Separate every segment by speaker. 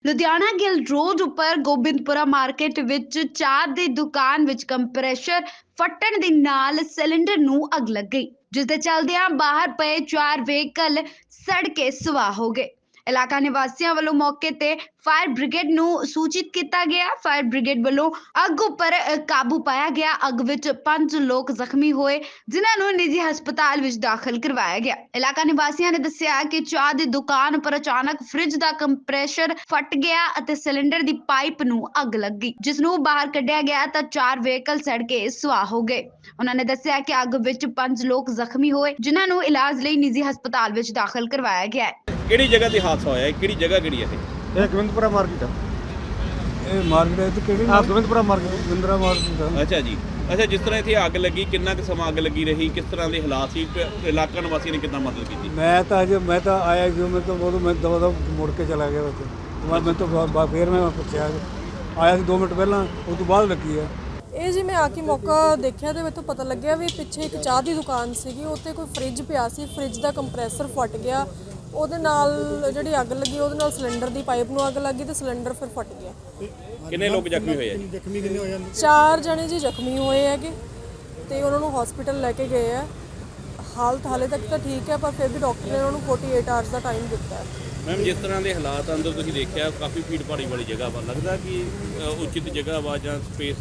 Speaker 1: Ludhiana Gill road ਉੱਪਰ Gobindpura market ਵਿੱਚ ਚਾਹ ਦੀ ਦੁਕਾਨ ਵਿੱਚ ਕੰਪਰੈਸ਼ਰ ਫਟਣ ਦੇ ਨਾਲ ਸਿਲੰਡਰ ਨੂੰ ਅੱਗ ਲੱਗ ਗਈ, ਜਿਸ ਦੇ ਚੱਲਦਿਆਂ ਬਾਹਰ ਪਏ 4 ਵਹੀਕਲ ਸੜ ਕੇ ਸੁਆਹ ਹੋ ਗਏ। ਇਲਾਕਾ ਨਿਵਾਸੀਆਂ ਵੱਲੋਂ ਮੌਕੇ ਤੇ ਫਾਇਰ ਬ੍ਰਿਗੇਡ ਨੂੰ ਸੂਚਿਤ ਕੀਤਾ ਗਿਆ। ਫਾਇਰ ਬ੍ਰਿਗੇਡ ਵੱਲੋਂ ਅੱਗ ਉੱਪਰ ਕਾਬੂ ਪਾਇਆ ਗਿਆ। ਅੱਗ ਵਿੱਚ 5 ਲੋਕ ਜ਼ਖਮੀ ਹੋਏ, ਜਿਨ੍ਹਾਂ ਨੂੰ ਨਿੱਜੀ ਹਸਪਤਾਲ ਵਿੱਚ ਦਾਖਲ ਕਰਵਾਇਆ ਗਿਆ। ਇਲਾਕਾ ਨਿਵਾਸੀਆਂ ਨੇ ਦੱਸਿਆ ਕਿ ਚਾਹ ਦੀ ਦੁਕਾਨ ਉੱਪਰ ਅਚਾਨਕ ਫ੍ਰਿਜ ਦਾ ਕੰਪਰੈਸ਼ਰ ਫਟ ਗਿਆ ਅਤੇ ਸਿਲੰਡਰ ਦੀ ਪਾਈਪ ਨੂੰ ਅੱਗ ਲੱਗੀ, ਜਿਸ ਨੂੰ ਬਾਹਰ ਕੱਢਿਆ ਗਿਆ ਤਾਂ 4 ਵਹੀਕਲ ਸੜ ਕੇ ਸੁਆਹ ਹੋ ਗਏ। ਉਹਨਾਂ ਨੇ ਦੱਸਿਆ ਕਿ ਅੱਗ ਵਿੱਚ 5 ਲੋਕ ਜ਼ਖਮੀ ਹੋਏ, ਜਿਨ੍ਹਾਂ ਨੂੰ ਇਲਾਜ ਲਈ ਨਿੱਜੀ ਹਸਪਤਾਲ ਵਿੱਚ ਦਾਖਲ ਕਰਵਾਇਆ ਗਿਆ ਹੈ।
Speaker 2: ਕਿਹੜੀ ਜਗ੍ਹਾ ਤੇ ਹਾਦਸਾ ਹੋਇਆ ਹੈ? ਕਿਹੜੀ ਜਗ੍ਹਾ ਕਿਹੜੀ ਹੈ
Speaker 3: ਇਹ ਗੋਬਿੰਦਪੁਰਾ ਮਾਰਕੀਟ ਆ। ਇਹ ਮਾਰਕੀਟ ਤੇ ਕਿਹੜੀ ਗੋਬਿੰਦਪੁਰਾ ਮਾਰਕੀਟ, ਗੋਬਿੰਦਰਾ ਮਾਰਕੀਟ ਆ।
Speaker 2: ਅੱਛਾ ਜੀ, ਅੱਛਾ, ਜਿਸ ਤਰ੍ਹਾਂ ਇੱਥੇ ਅੱਗ ਲੱਗੀ, ਕਿੰਨਾ ਕੁ ਸਮਾਂ ਅੱਗ ਲੱਗੀ ਰਹੀ, ਕਿਸ ਤਰ੍ਹਾਂ ਦੇ ਹਾਲਾਤ ਸੀ, ਇਲਾਕਾ ਨਿਵਾਸੀਆਂ ਨੇ ਕਿੱਦਾਂ ਮਦਦ ਕੀਤੀ?
Speaker 3: ਮੈਂ ਤਾਂ ਆਇਆ ਜੋ ਮੈਂ ਦਵਾ ਮੁੜ ਕੇ ਚਲਾ ਗਿਆ ਉੱਥੇ। ਮੈਂ ਤਾਂ ਫਿਰ ਮੈਂ ਪੁੱਛਿਆ, ਆਇਆ ਸੀ 2 ਮਿੰਟ ਪਹਿਲਾਂ, ਉਸ ਤੋਂ ਬਾਅਦ ਲੱਗੀ ਆ
Speaker 4: ਇਹ ਜੀ। ਮੈਂ ਆ ਕੇ ਮੌਕਾ ਦੇਖਿਆ ਤੇ ਮੈਨੂੰ ਪਤਾ ਲੱਗਿਆ ਵੀ ਪਿੱਛੇ ਇੱਕ ਚਾਹ ਦੀ ਦੁਕਾਨ ਸੀਗੀ, ਉੱਤੇ ਕੋਈ ਫ੍ਰਿਜ ਪਿਆ ਸੀ। ਫ੍ਰਿਜ ਦਾ ਕੰਪਰੈਸਰ ਫਟ ਗਿਆ, ਉਹਦੇ ਨਾਲ ਜਿਹੜੀ ਅੱਗ ਲੱਗੀ ਉਹਦੇ ਨਾਲ ਸਿਲੰਡਰ ਦੀ ਪਾਈਪ ਨੂੰ ਅੱਗ ਲੱਗੀ ਤੇ ਸਿਲੰਡਰ ਫਿਰ ਫਟ ਗਿਆ।
Speaker 2: ਕਿੰਨੇ ਲੋਕ ਜ਼ਖਮੀ ਹੋਏ ਆ ਜੀ?
Speaker 4: 4 ਜਣੇ ਜੀ ਜ਼ਖਮੀ ਹੋਏ ਹੈਗੇ ਤੇ ਉਹਨਾਂ ਨੂੰ ਹਸਪੀਟਲ ਲੈ ਕੇ ਗਏ ਆ। ਹਾਲਤ ਹਾਲੇ ਤੱਕ ਤਾਂ ਠੀਕ ਹੈ, ਪਰ ਫਿਰ ਵੀ ਡਾਕਟਰ ਨੇ ਉਹਨਾਂ ਨੂੰ 48 ਆਵਰਸ ਦਾ ਟਾਈਮ ਦਿੱਤਾ ਹੈ।
Speaker 2: ਮੈਮ, ਜਿਸ ਤਰ੍ਹਾਂ ਦੇ ਹਾਲਾਤ ਅੰਦਰ ਤੁਸੀਂ ਦੇਖਿਆ, ਕਾਫੀ ਭੀੜ ਭਾੜੀ ਵਾਲੀ ਜਗ੍ਹਾ ਵਾ, ਲੱਗਦਾ ਕਿ ਉਚਿਤ ਜਗ੍ਹਾ ਵਾ ਜਾਂ ਸਪੇਸ?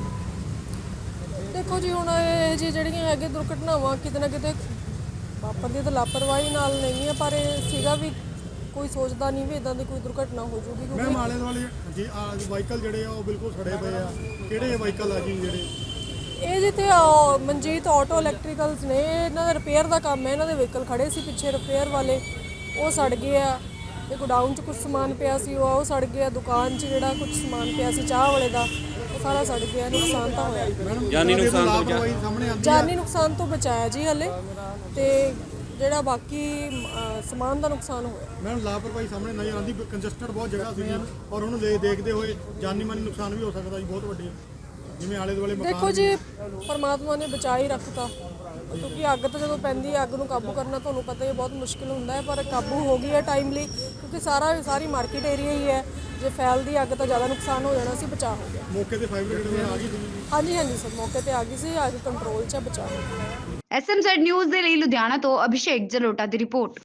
Speaker 4: ਦੇਖੋ ਜੀ, ਹੁਣ ਇਹ ਜਿਹੜੀਆਂ ਹੈਗੇ ਦੁਰਘਟਨਾਵਾਂ ਕਿਤੇ ਨਾ ਕਿਤੇ ਵਾਪਰਦੀਆਂ ਤਾਂ ਲਾਪਰਵਾਹੀ ਨਾਲ ਨਹੀਂ ਹੈ, ਪਰ ਇਹ ਸੀਗਾ ਵੀ ਕੋਈ ਸੋਚਦਾ ਨਹੀਂ ਵੀ ਇਦਾਂ ਦੀ ਕੋਈ ਦੁਰਘਟਨਾ ਹੋ ਜੂਗੀ।
Speaker 5: ਮੈਮ, ਆਲੇ ਦੁਆਲੇ ਜੀ ਵਾਹੀਕਲ ਜਿਹੜੇ ਆ ਉਹ ਬਿਲਕੁਲ ਸੜੇ ਪਏ ਆ। ਕਿਹੜੇ ਵਾਹੀਕਲ ਆ ਜੀ ਜਿਹੜੇ?
Speaker 4: ਇਹ ਜਿੱਥੇ ਮਨਜੀਤ ਆਟੋ ਇਲੈਕਟ੍ਰੀਕਲਸ ਨੇ, ਇਹਨਾਂ ਦਾ ਰਿਪੇਅਰ ਦਾ ਕੰਮ ਹੈ। ਇਹਨਾਂ ਦੇ ਵਹੀਕਲ ਖੜੇ ਸੀ ਪਿੱਛੇ ਰਿਪੇਅਰ ਵਾਲੇ, ਉਹ ਸੜ ਗਏ ਆ। ਤੇ ਗੋਡਾਊਨ 'ਚ ਕੁਝ ਸਮਾਨ ਪਿਆ ਸੀ, ਉਹ ਸੜ ਗਿਆ। ਦੁਕਾਨ 'ਚ ਜਿਹੜਾ ਕੁਝ ਸਮਾਨ ਪਿਆ ਸੀ ਚਾਹ ਵਾਲੇ ਦਾ, ਉਹ ਸਾਰਾ ਸੜ ਗਿਆ। ਨੁਕਸਾਨ ਤਾਂ ਹੋਇਆ।
Speaker 2: ਜਾਨੀ ਨੁਕਸਾਨ ਤੋਂ
Speaker 5: ਸਾਹਮਣੇ ਆਉਂਦੀ
Speaker 4: ਜਾਨੀ ਨੁਕਸਾਨ ਤੋਂ ਬਚਾਇਆ ਜੀ ਹਲੇ, ਤੇ ਜਿਹੜਾ ਬਾਕੀ ਸਮਾਨ ਦਾ ਨੁਕਸਾਨ ਹੋਇਆ।
Speaker 5: ਮੈਮ, ਲਾਪਰਵਾਹੀ ਸਾਹਮਣੇ ਨਜ਼ਰ ਆਉਂਦੀ। ਕੰਜਸਟਡ ਬਹੁਤ ਜਗ੍ਹਾ ਸੀ ਔਰ ਉਹਨੂੰ ਦੇਖਦੇ ਹੋਏ ਜਾਨੀ ਮਾਨੀ ਨੁਕਸਾਨ ਵੀ ਹੋ ਸਕਦਾ ਜੀ, ਬਹੁਤ ਵੱਡੇ, ਜਿਵੇਂ ਆਲੇ ਦੁਆਲੇ ਮਕਾਨ।
Speaker 4: ਦੇਖੋ ਜੀ, ਪਰਮਾਤਮਾ ਨੇ ਬਚਾ ਹੀ ਰੱਖਤਾ, ਕਿਉਂਕਿ ਅੱਗ ਤਾਂ ਜਦੋਂ ਪੈਂਦੀ ਹੈ, ਅੱਗ ਨੂੰ ਕਾਬੂ ਕਰਨਾ ਤੁਹਾਨੂੰ ਪਤਾ ਹੀ ਬਹੁਤ ਮੁਸ਼ਕਿਲ ਹੁੰਦਾ ਹੈ, ਪਰ ਕਾਬੂ ਹੋ ਗਈ ਹੈ ਟਾਈਮਲੀ, ਕਿਉਂਕਿ ਸਾਰੀ ਮਾਰਕੀਟ ਏਰੀਆ ਹੀ ਹੈ। ਜੇ ਫੈਲਦੀ ਅੱਗ ਤਾਂ ਜ਼ਿਆਦਾ ਨੁਕਸਾਨ ਹੋ ਜਾਣਾ ਸੀ, ਬਚਾਅ ਹੋ ਗਿਆ।
Speaker 5: ਮੌਕੇ ਤੇ ਫਾਇਰ ਬ੍ਰਿਗੇਡ ਆ ਗਈ ਸੀ?
Speaker 4: ਹਾਂਜੀ ਸਰ, ਮੌਕੇ ਤੇ ਆ ਗਈ ਸੀ। ਅੱਗ ਕੰਟਰੋਲ 'ਚ ਬਚਾਅ ਹੋ ਗਿਆ।
Speaker 1: ਐਸਐਮਜ਼ੈਡ ਨਿਊਜ਼ ਦੇ ਲਈ ਲੁਧਿਆਣਾ ਤੋਂ ਅਭਿਸ਼ੇਕ ਜਲੋਟਾ ਦੀ ਰਿਪੋਰਟ।